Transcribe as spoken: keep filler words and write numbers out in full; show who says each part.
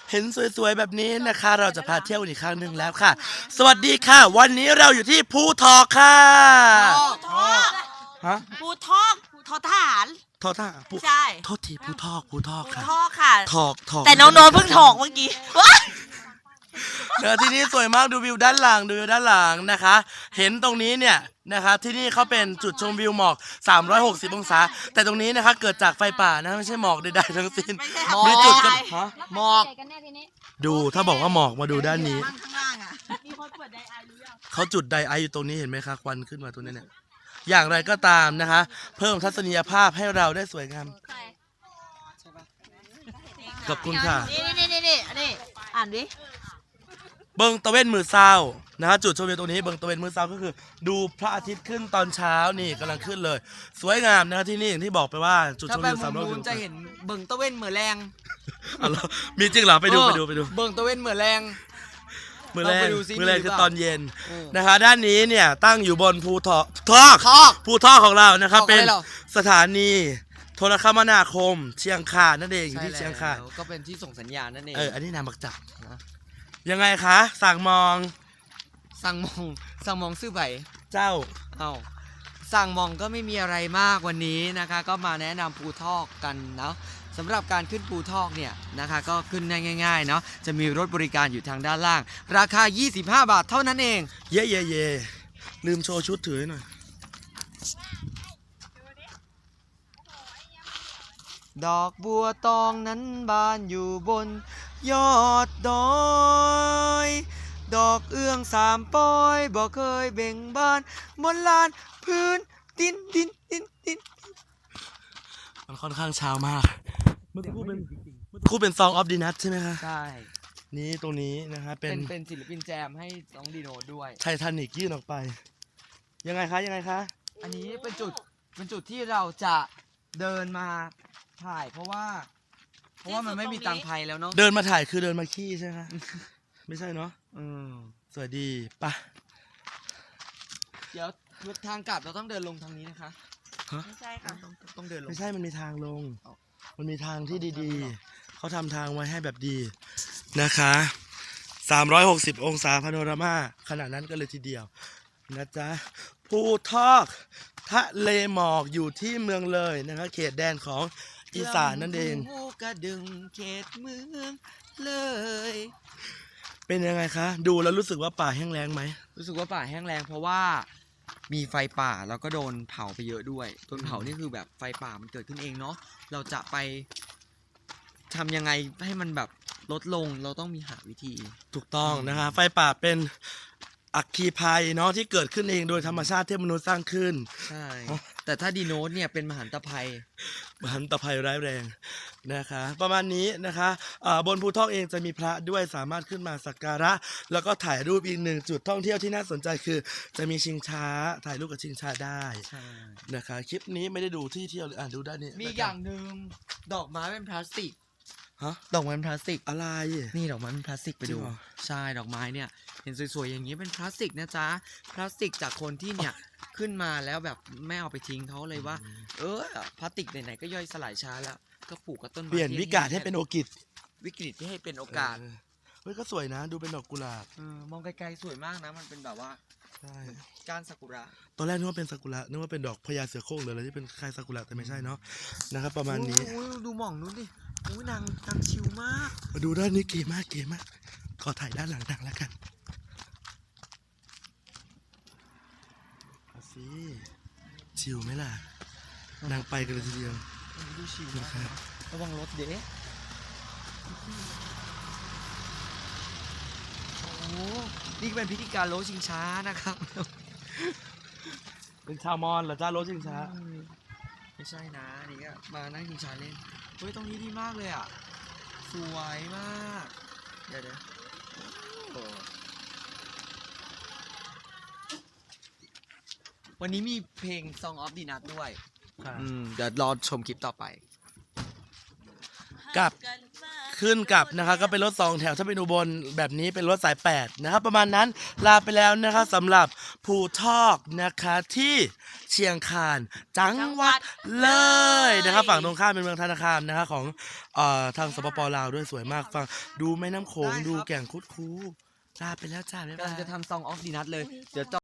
Speaker 1: เห็นสวยๆแบบนี้นะคะเราจะพาเที่ยวอีกครั้งหนึ่งแล้วค่ะสวัสดีค่ะวันนี้เราอยู่ที่ภูทอกค่ะ
Speaker 2: ทอก
Speaker 1: ฮะ
Speaker 2: ภูทอกทอทหาร
Speaker 1: ทอท่าภู
Speaker 2: ใช่
Speaker 1: โทษทีภูทอกภูทอก
Speaker 2: ภู
Speaker 1: ค่ะ
Speaker 2: ทอกค่ะ
Speaker 1: ทอกทอก
Speaker 2: แต่น้องโน้ตเพิ่งถอกเมื่อกี้
Speaker 1: เดี๋ยวที่นี่สวยมากดูวิวด้านหลังดูวิวด้านหลังนะคะ เห็นตรงนี้เนี่ยนะคะที่นี่เขาเป็นจุดชมวิวหมอกสามร้อยหกสิบองศาแต่ตรงนี้นะคะเกิดจากไฟป่านะไม่ใช่หมอกใดๆทั้งสิ้น
Speaker 2: ไม่ใช่
Speaker 1: มีจุดกับ
Speaker 2: หมอก
Speaker 1: ฮะ
Speaker 2: หมอก
Speaker 1: ดูถ้าบอกว่าหมอกมาดูด้านนี้
Speaker 2: ข้างล่างอ่ะมีคนเปิดไดอาร์หรือยัง
Speaker 1: เขาจุดไดไออยู่ตรงนี้เห็นไหมคะควันขึ้นมาตรงนี้เนี่ยอย่างไรก็ตามนะคะ เพิ่มทัศนียภาพให้เราได้สวยงามขอบคุณค่ะ
Speaker 2: นี่นี่นี่นี่นี่อ่านดิ
Speaker 1: เบิงตะเวนมือเศร้านะฮะจุดชมวิวตรงนี้เบิงตะเวนมือเศร้าก็คือ ดูพระอาทิตย์ขึ้นตอนเช้านี่กำลังขึ้นเลย สวยงามนะที่นี่อย่างที่บอกไปว่าจุดช
Speaker 3: ถ้าม ไป
Speaker 1: วิวสามร้อย
Speaker 3: มุมจะเห็นเบิ่งตะเว้นเหมือแรง
Speaker 1: อ๋อเหรอมีจริงเหรอไปดูไปดูไปดู
Speaker 3: เบิ่งตะเว้นเหมือแรง
Speaker 1: มือแร
Speaker 3: เรา
Speaker 1: ก
Speaker 3: ไปดูซิ
Speaker 1: มือแรก
Speaker 3: มีหรือ
Speaker 1: คือ
Speaker 3: เปล่า
Speaker 1: ตอนเย็น
Speaker 3: เออ
Speaker 1: นะคะ ด้านนี้เนี่ยตั้งอยู่บนภูทอกทอก
Speaker 3: ทอก
Speaker 1: ภูทอกของเรานะครับ
Speaker 3: ทอกอะไร
Speaker 1: เป็น
Speaker 3: เหรอ
Speaker 1: สถานีโทรคมนาคม เชียงคานนั่นเองอยู่ที่เชียงคาน
Speaker 3: แล้วก็เป็นที่ส่งสัญญาณนั่นเอง
Speaker 1: เออ อันนี้นามบักจับ
Speaker 3: นะ
Speaker 1: ยังไงคะ สั่งมอง
Speaker 3: สั่งมองสั่งมองซื้อใบ
Speaker 1: เจ้า
Speaker 3: เอ้าสั่งมองก็ไม่มีอะไรมากวันนี้นะคะ ก็มาแนะนำภูทอกกันเนาะสำหรับการขึ้นภูทอกเนี่ยนะคะ ก็ขึ้นได้ง่ายๆเนาะจะมีรถบริการอยู่ทางด้านล่าง ราคา ยี่สิบห้า บาทเท่านั้นเอง
Speaker 1: เย่เย่เย่ลืมโชว์ชุดถือให้หน่อย
Speaker 3: ดอกบัวตองนั้นบานอยู่บนยอดดอย ดอกเอื้องสามปอยบ่เคยเบ่งบานบนลานพื้นดินดินดินดิน
Speaker 1: มันค่อนข้างเช้ามาก เมื่อคู่เป็นเมื่อคู่เป็นซองออฟดีนัทใช่ไหมคะ
Speaker 3: ใช่
Speaker 1: นี่ตรงนี้นะคะเป็
Speaker 3: เป็น นเป็นศิลปินแจมให้น้องดีโนด้วย
Speaker 1: ไททานิกยื่นออกไป ยังไงคะยังไงคะ
Speaker 3: อันนี้เป็นจุดเป็นจุดที่เราจะเดินมาถ่าย เพราะว่า เพราะว่ามันไม่มีตังค์ไทยแล้วเนาะ
Speaker 1: เดินมาถ่ายคือเดินมาขี้ใช่ไหมคะ ไม่ใช่เนาะ
Speaker 3: อืม
Speaker 1: สวัสดีปะ
Speaker 3: เดี๋ยวทางกลับเราต้องเดินลงทางนี้นะคะ
Speaker 2: ไม่ใช่ค่ะ
Speaker 3: ต้องต้องเดินลง
Speaker 1: ไม่ใช่มันมีทางลง
Speaker 3: เอา
Speaker 1: มันมีทางที่ดี
Speaker 3: เอา
Speaker 1: ๆ เขาทำทางไว้ให้แบบดีนะคะสามร้อยหกสิบองศาพาโนรามาขนาดนั้นก็เลยทีเดียวนะจ๊ะภูทอกทะเลหมอกอยู่ที่เมืองเลยนะคะเขตแดนของอีสานนั่นเอง
Speaker 3: ภูกระดึงเขตเมืองเลย
Speaker 1: เป็นยังไงคะ ดูแล้วรู้สึกว่าป่าแห้งแล้งไหม
Speaker 3: รู้สึกว่าป่าแห้งแล้งเพราะว่ามีไฟป่าแล้วก็โดนเผาไปเยอะด้วยโดนเผานี่คือแบบไฟป่ามันเกิดขึ้นเองเนาะเราจะไปทำยังไงให้มันแบบลดลงเราต้องมีหาวิธี
Speaker 1: ถูกต้องนะคะ ไฟป่าเป็นอัคคีภัยเนาะที่เกิดขึ้นเองโดยธรรมชาติที่มนุษย์สร้างขึ้น
Speaker 3: ใช่ แต่ถ้าดีโนตเนี่ยเป็นมหันตภัย
Speaker 1: มหันตภัยร้ายแรงนะคะ ประมาณนี้นะคะอ่าบนภูทอกเองจะมีพระด้วยสามารถขึ้นมาสักการะ แล้วก็ถ่ายรูปอีกหนึ่งจุดท่องเที่ยวที่น่าสนใจคือ จะมีชิงช้าถ่ายรูปกับชิงช้าได้
Speaker 3: ใช่
Speaker 1: นะคะ คลิปนี้ไม่ได้ดูที่เที่ยวเลยอ่านดูด้านนี้
Speaker 3: มีอย่างหนึ่งดอกไม้เป็นพลาสติก
Speaker 1: ฮะ
Speaker 3: ดอกไม้เป็นพลาสติก
Speaker 1: อะไร
Speaker 3: นี่ดอกไม้เป็นพลาสติกไป
Speaker 1: จริ
Speaker 3: ดู
Speaker 1: งเหรอ
Speaker 3: ใช่ดอกไม้เนี่ยเห็นสวยๆอย่างนี้เป็นพลาสติกนะจ๊ะพลาสติกจากคนที่เนี่ยขึ้นมาแล้วแบบไม่เอาไปทิ้งเขาเลยว่า เออพลาสติกไหนๆก็ย่อยสลายช้าแล้วก็ปลูกกับต้นไม้
Speaker 1: เปลี่ยนวิกาศให้เป็นโอกิจ
Speaker 3: วิกฤตที่ให้เป็นโอกาส
Speaker 1: เออเฮ้ยก็สวยนะ ดูเป็นดอกกุหลาบ
Speaker 3: เออมองไกลๆสวยมากนะมันเป็นแบบว่า
Speaker 1: ใช่
Speaker 3: ก้านซากุระ
Speaker 1: ตอนแรกนึกว่าเป็นซากุระนึกว่าเป็นดอกพญาเสือโคร่งหรืออะไรที่เป็นคล้ายซากุระแต่ไม่ใช่เนาะนะครับประมาณนี้
Speaker 3: โอ้ยดูหม่องนู้นดิโอ้ยนางนางชิวมาก
Speaker 1: มาดูด้านนี้เก๋มากเก๋มาก ขอถ่ายด้านหลังดังแล้วกันเอาสิชิวไหมล่ะ นางไปกันเลยทีเดียว
Speaker 3: ดูชิว
Speaker 1: นะ
Speaker 3: มาก
Speaker 1: ครับ
Speaker 3: ระวังรถเด้โอ้โหนี่ก็เป็นพิธีการโลชิงช้านะครับ
Speaker 1: เป็นชาวมอญเหรอจ้ารถชิงช้า
Speaker 3: ไม่ใช่นะนี่ก็มานั่งชิงช้าเล่นเฮ้ยตรงนี้ดีมากเลยอ่ะสวยมากเดี๋ยวเดี๋ยวโอ้วันนี้มีเพลง Song of the Nut ด้วยอืมเดี๋ยวรอชมคลิปต่อไป
Speaker 1: กลับ ขึ้นกลับนะคะก็เป็นรถสองแถวถ้าเป็นอุบลแบบนี้เป็นรถสายแปดนะครับประมาณนั้นลาไปแล้วนะคะสำหรับภูทอกนะคะที่เชียงคานจังหวัดเลยนะครับฝั่งตรงข้ามเป็นเมืองธนาคารนะครับของเอ่อทางสปปลาวด้วยสวยมากฟังดูแม่น้ำโขงดูแก่งคุดคูลาไปแล้วจ้าบ๊าย
Speaker 3: กำ
Speaker 1: บา
Speaker 3: ลัง
Speaker 1: ย
Speaker 3: จะทำซองออฟดีนัทเลยเดี๋ยว